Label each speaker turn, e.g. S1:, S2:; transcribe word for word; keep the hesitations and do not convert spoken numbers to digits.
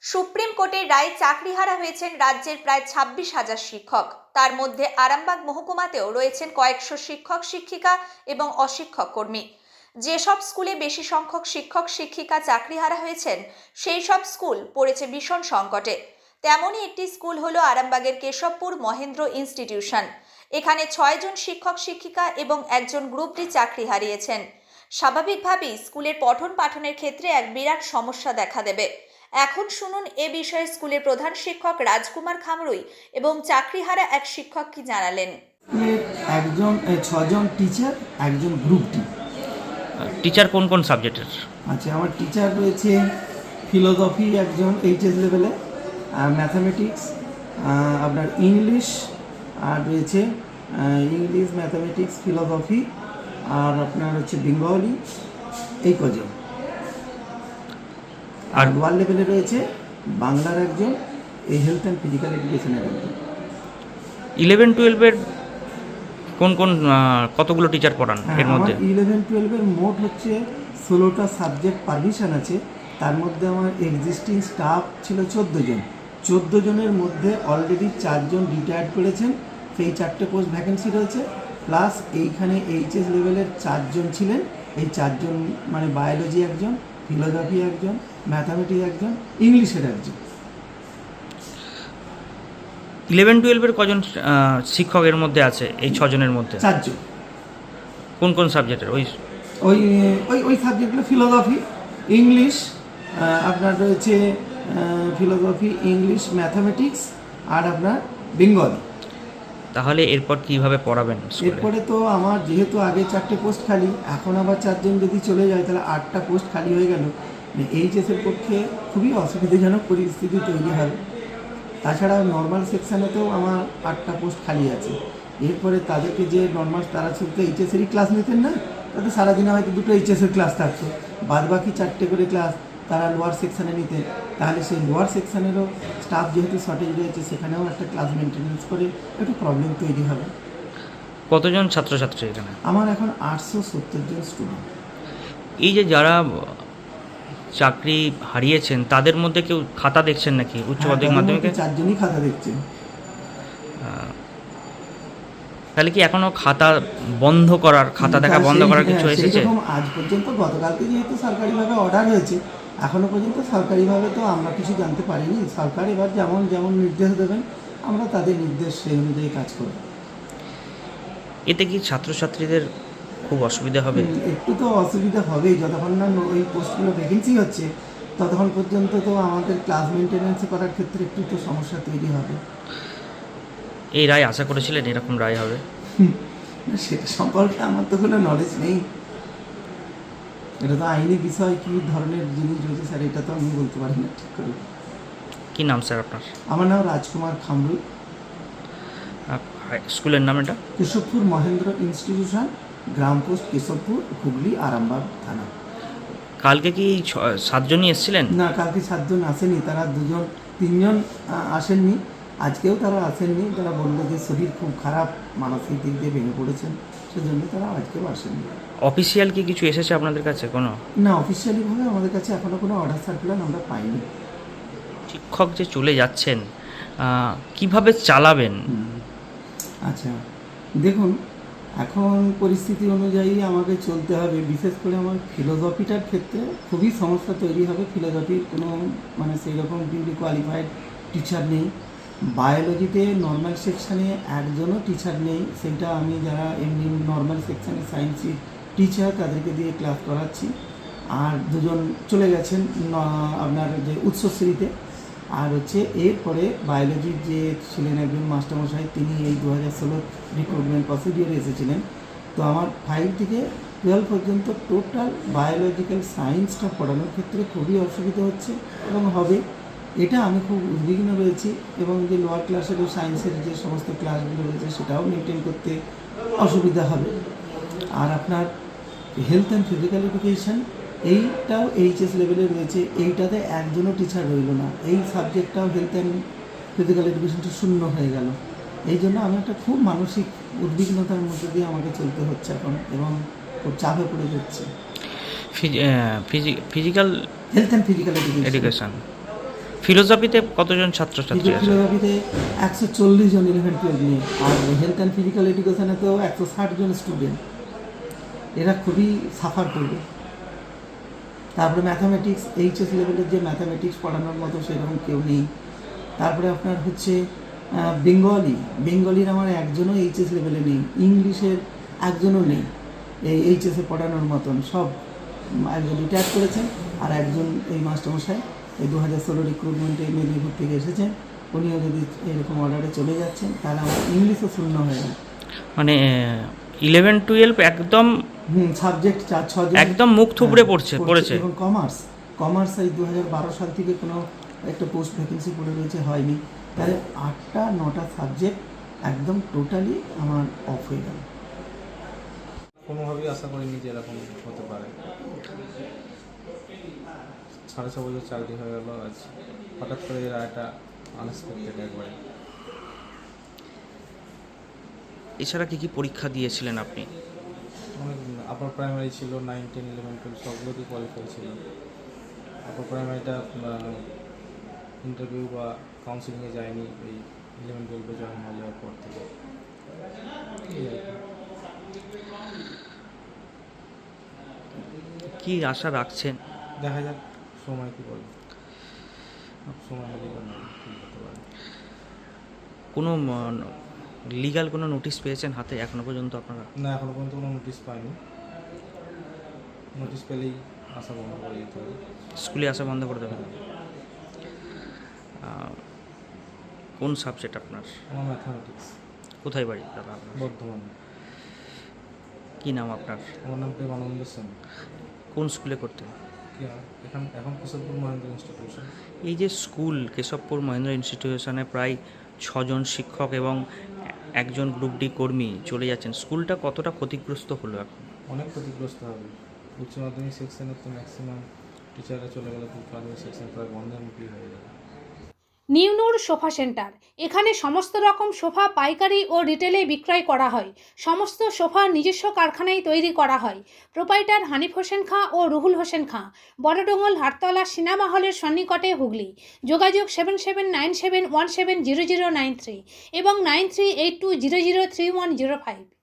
S1: Supreme কোর্টের রায়ে চাকরিহারা হয়েছেন রাজ্যের প্রায় ছাব্বিশ হাজার শিক্ষক। তার মধ্যে আরামবাগ মহকুমাতেও রয়েছেন কয়েকশো শিক্ষক শিক্ষিকা এবং অশিক্ষক কর্মী। যেসব স্কুলে বেশি সংখ্যক শিক্ষক শিক্ষিকা চাকরিহারা হয়েছেন সেই সব স্কুল পড়েছে ভীষণ সংকটে। তেমনই একটি স্কুল হলো আরামবাগের কেশবপুর মহেন্দ্র ইনস্টিটিউশন। এখানে ছয় জন শিক্ষক শিক্ষিকা এবং একজন গ্রুপ ডি চাকরি হারিয়েছেন। স্বাভাবিকভাবেই স্কুলের পঠন পাঠনের ক্ষেত্রে এক বিরাট সমস্যা দেখা দেবে। এখন শুনুন এ বিষয়ে স্কুলের প্রধান শিক্ষক রাজকুমার খামরুই এবং চাকরিহারা এক শিক্ষক কি জানালেন।
S2: একজন ছজন টিচার, একজন গ্রুপ টি।
S3: টিচার কোন কোন সাবজেক্টের?
S2: আচ্ছা, আমার টিচার রয়েছে ফিলোসফি একজন এইচএস লেভেলে, আর ম্যাথামেটিক্স, আপনার ইংলিশ, আর রয়েছে ইংলিশ, ম্যাথামেটিক্স, ফিলোসফি, আর আপনার হচ্ছে বেঙ্গলি, এই কজন। আর লোয়ার লেভেলে রয়েছে বাংলার একজন, এই হেলথ অ্যান্ড ফিজিক্যাল এডুকেশনের একজন।
S3: ইলেভেন টুয়েলভের কোন কোন কতগুলো টিচার পড়ান এর মধ্যে?
S2: ইলেভেন টুয়েলভের মোট হচ্ছে ষোলোটা সাবজেক্ট পারমিশন আছে। তার মধ্যে আমার এক্সিস্টিং স্টাফ ছিল চোদ্দো জন। চোদ্দো জনের মধ্যে অলরেডি চারজন রিটায়ার্ড করেছেন, সেই চারটে পোস্ট ভ্যাকেন্সি রয়েছে। প্লাস এইখানে এইচএস লেভেলের চারজন ছিলেন, এই চারজন মানে বায়োলজি একজন, ফিলোসফি একজন, ম্যাথামেটিক্স একজন, ইংলিশের একজন।
S3: ইলেভেন টুয়েলভের কজন শিক্ষকের মধ্যে আছে এই ছজনের মধ্যে?
S2: চারজন।
S3: কোন কোন সাবজেক্টের? ওই
S2: ওই ওই ওই সাবজেক্টগুলো ফিলোসফি, ইংলিশ, আপনার রয়েছে ফিলোসফি, ইংলিশ, ম্যাথামেটিক্স, আর আপনার বেঙ্গলি।
S3: তাহলে এরপর কিভাবে পড়াবেন?
S2: এরপরে তো আমার যেহেতু আগে চারটে পোস্ট খালি, এখন আবার চারজন যদি চলে যায় তাহলে আটটা পোস্ট খালি হয়ে গেল। এইচএসের পক্ষে খুবই অসুবিধাজনক পরিস্থিতি তৈরি হয়। তাছাড়া নর্মাল সেকশানেতেও আমার আটটা পোস্ট খালি আছে। এরপরে তাদেরকে যে নর্মাল, তারা শুধু এইচএসেরই ক্লাস নিতেন না, তাদের সারাদিনে হয়তো দুটো এইচএসের ক্লাস থাকতো, বাদ বাকি চারটে করে ক্লাস তারা লোয়ার সেকশানে নিতেন। তাহলে সেই লোয়ার সেকশানেরও স্টাফ যেহেতু শর্টেজ রয়েছে, সেখানেও একটা ক্লাস মেনটেন্যান্স করে একটু প্রবলেম তৈরি হবে।
S3: কতজন ছাত্রছাত্রী এখানে?
S2: আমার এখন আটশো সত্তর জন স্টুডেন্ট।
S3: এই যে যারা চাকরি হারিয়েছেন তাদের মধ্যে কেউ খাতা দেখছেন নাকি উচ্চ মাধ্যমিক মাধ্যমিকে?
S2: চারজনই খাতা দেখছেন।
S3: তাহলে কি এখনো খাতা বন্ধ করার, খাতা দেখা বন্ধ করার কিছু এসেছে?
S2: আজ পর্যন্ত, গতকালকে যেহেতু সরকারিভাবে অর্ডার হয়েছে, এখনো পর্যন্ত সরকারিভাবে তো আমরা কিছু জানতে পারিনি। সরকার এবার যেমন যেমন নির্দেশ দেবেন, আমরা তাদের নির্দেশ সেই অনুযায়ী কাজ করব।
S3: এতে কি ছাত্রছাত্রীদের খুব অসুবিধা হবে?
S2: একটু তো অসুবিধা হবেই। যতক্ষণ না ওই পোস্টগুলো ভ্যাকেন্সি হচ্ছে ততক্ষণ পর্যন্ত তো আমাদের ক্লাস মেনটেন্যান্স করার ক্ষেত্রে একটু তো সমস্যা তৈরি হবে।
S3: এই রায় আশা করেছিলেন এরকম রায় হবে?
S2: সেটা সম্পর্কে আমার তো কোনো নলেজ নেই। এটা তো আইনি বিষয়, কী ধরনের জিনিস রয়েছে স্যার, এটা তো আমি বলতে পারি না ঠিক করে।
S3: কী নাম স্যার আপনার?
S2: আমার নাম রাজকুমার খামরুই।
S3: স্কুলের নাম এটা?
S2: কেশবপুর মহেন্দ্র ইনস্টিটিউশন, গ্রাম পোস্ট কেশবপুর, হুগলি, আরামবাগ থানা।
S3: কালকে কি সাতজনই এসেছিলেন?
S2: না, কালকে সাতজন আসেনি, তারা দুজন তিনজন আসেননি। আজকেও তারা আসেননি। তারা বললো যে শরীর খুব খারাপ, মানসিক দিক দিয়ে ভেঙে পড়েছেন, সেজন্য তারা আজকেও আসেননি।
S3: অফিসিয়াল কি কিছু এসেছে আপনাদের কাছে কোনো?
S2: না, অফিসিয়ালিভাবে আমাদের কাছে এখনও কোনো অর্ডার সার্কুলার আমরা পাইনি।
S3: শিক্ষক যে চলে যাচ্ছেন, কিভাবে চালাবেন?
S2: আচ্ছা, দেখুন, এখন পরিস্থিতি অনুযায়ী আমাকে চলতে হবে। বিশেষ করে আমার ফিলোসফিটার ক্ষেত্রে খুবই সমস্যা তৈরি হবে। ফিলোসফির কোনো মানে সেই রকম ডিগ্রি কোয়ালিফাইড টিচার নেই। বায়োলজিতে নর্মাল সেকশানে একজনও টিচার নেই। সেটা আমি যারা এমনি নর্মাল সেকশানে সায়েন্সের টিচার তাদেরকে দিয়ে ক্লাস করাচ্ছি। আর দুজন চলে গেছেন আপনার যে উৎসশ্রীতে। আর হচ্ছে এরপরে বায়োলজির যে ছিলেন একজন মাস্টারমশাই, তিনি এই দু হাজার ষোলোর রিক্রুটমেন্ট প্রসিডিওরে এসেছিলেন। তো আমার ফাইভ থেকে টুয়েলভ পর্যন্ত টোটাল বায়োলজিক্যাল সায়েন্সটা পড়ানোর ক্ষেত্রে খুবই অসুবিধা হচ্ছে এবং হবে। এটা আমি খুব উদ্বিগ্ন রয়েছি। এবং যে লোয়ার ক্লাসেরও সায়েন্সের যে সমস্ত ক্লাসগুলো রয়েছে সেটাও মেনটেন করতে অসুবিধা হবে। আর আপনার হেলথ অ্যান্ড ফিজিক্যাল এডুকেশন, এইটাও এইচএস লেভেলে রয়েছে, এইটাতে একজনও টিচার রইল না। এই সাবজেক্টটাও হেলথ অ্যান্ড ফিজিক্যাল এডুকেশনটা শূন্য হয়ে গেল। এই জন্য আমি একটা খুব মানসিক উদ্বিগ্নতার মধ্যে দিয়ে আমাকে চলতে হচ্ছে এখন, এবং খুব চাপে পড়ে যাচ্ছে।
S3: Physical
S2: health and physical
S3: education ফিলোসফিতে কতজন ছাত্রছাত্রী আছে?
S2: ফিলোসফিতে একশো চল্লিশ জন ইলেভেন টুয়েলভ নিয়ে, আর হেলথ অ্যান্ড ফিজিক্যাল এডুকেশনে তো একশো ষাট জন স্টুডেন্ট। এরা খুবই সাফার করবে। তারপরে ম্যাথামেটিক্স, এইচএস লেভেলের যে ম্যাথামেটিক্স পড়ানোর মতো সেরকম কেউ নেই। তারপরে আপনার হচ্ছে বেঙ্গলি, বেঙ্গলির আমার একজনও এইচএস লেভেলে নেই। ইংলিশের একজনও নেই এই এইচএসে পড়ানোর মতন। সব একজন রিটায়ার করেছেন, আর একজন এই মাস্টারমশাই এই দু হাজার ষোলো রিক্রুটমেন্টে মেদিনীপুর থেকে এসেছেন। উনিও যদি এরকম অর্ডারে চলে যাচ্ছেন তাহলে আমার ইংলিশও শূন্য হয়ে গেল।
S3: মানে ইলেভেন টুয়েলভ একদম
S2: হুম সাবজেক্ট চার ছজন
S3: একদম মুখ থুবড়ে পড়ছে পড়েছে
S2: এবং কমার্স কমার্স এই দু হাজার বারো সাল থেকে কোনো একটা পোস্ট ভ্যাকেন্সি পড়ে রয়েছে, হয়নি। তাহলে আটটা নটা সাবজেক্ট একদম টোটালি আমার অফ হয়ে গেল।
S4: কোনোভাবেই আশা করিনি যে এরকম হতে পারে। সাড়ে ছ বছর চাকরি হয়ে গেল, আজ হঠাৎ করে এরা একটা আনএক্সপেক্টেড একবারে।
S3: এছাড়া কি কি পরীক্ষা দিয়েছিলেন আপনি?
S4: অনেক আপার প্রাইমারি ছিল, নাইন টেন ইলেভেন টুয়েলভ সবগুলোতেই কোয়ালিফাই ছিল। আপার প্রাইমারিটা ইন্টারভিউ বা কাউন্সিলিংয়ে যায়নি, এই ইলেভেন টুয়েলভে জয়েন হয়ে যাওয়ার পর থেকে। এই আর কি।
S3: কি আশা রাখছেন?
S4: দেখা যাক সময় কী বলে, সময় হলেই বা না কী হতে পারে।
S3: কোনো লিগ্যাল কোনো নোটিশ পেয়েছেন হাতে এখনো পর্যন্ত আপনারা?
S4: না, এখনো পর্যন্ত কোনো নোটিশ পাইনি। নোটিশ পেলেই আশা বন্ধ করে দিতে হবে।
S3: স্কুলে আসা বন্ধ করে দেবেন? আহ, কোন সাবজেক্ট আপনার?
S4: আমার ম্যাথামেটিক্স।
S3: কোথায় বাড়ি দাদা আপনার?
S4: বর্ধমানে।
S3: কী নাম আপনার?
S4: আমার নাম প্রেমানন্দ সেন।
S3: কোন স্কুলে করতেন?
S4: কি আর এখন এখন কেশবপুর মহেন্দ্র ইনস্টিটিউশন।
S3: এই যে স্কুল কেশবপুর মহেন্দ্র ইনস্টিটিউশনে প্রায় ছজন শিক্ষক এবং একজন গ্রুপ ডি কর্মী চলে যাচ্ছেন, স্কুলটা কতটা ক্ষতিগ্রস্ত হলো এখন?
S4: অনেক ক্ষতিগ্রস্ত হবে। উচ্চ মাধ্যমিক সেকশনের তো ম্যাক্সিমাম টিচাররা চলে গেলে উচ্চ মাধ্যমিক সেকশন প্রায় বন্ধের মুখী হয়ে যাবে।
S5: নিউনুর সোফা সেন্টার, এখানে সমস্ত রকম সোফা পাইকারি ও রিটেলে বিক্রয় করা হয়। সমস্ত সোফা নিজস্ব কারখানায় তৈরি করা হয়। প্রোপাইটার হানিফ হোসেন খাঁ ও রুহুল হোসেন খাঁ, বড়ডোঙ্গল হাটতলা সিনেমা হলের সন্নিকটে, হুগলি। যোগাযোগ seven seven nine seven one seven zero zero nine three এবং nine three eight two zero zero three one zero five.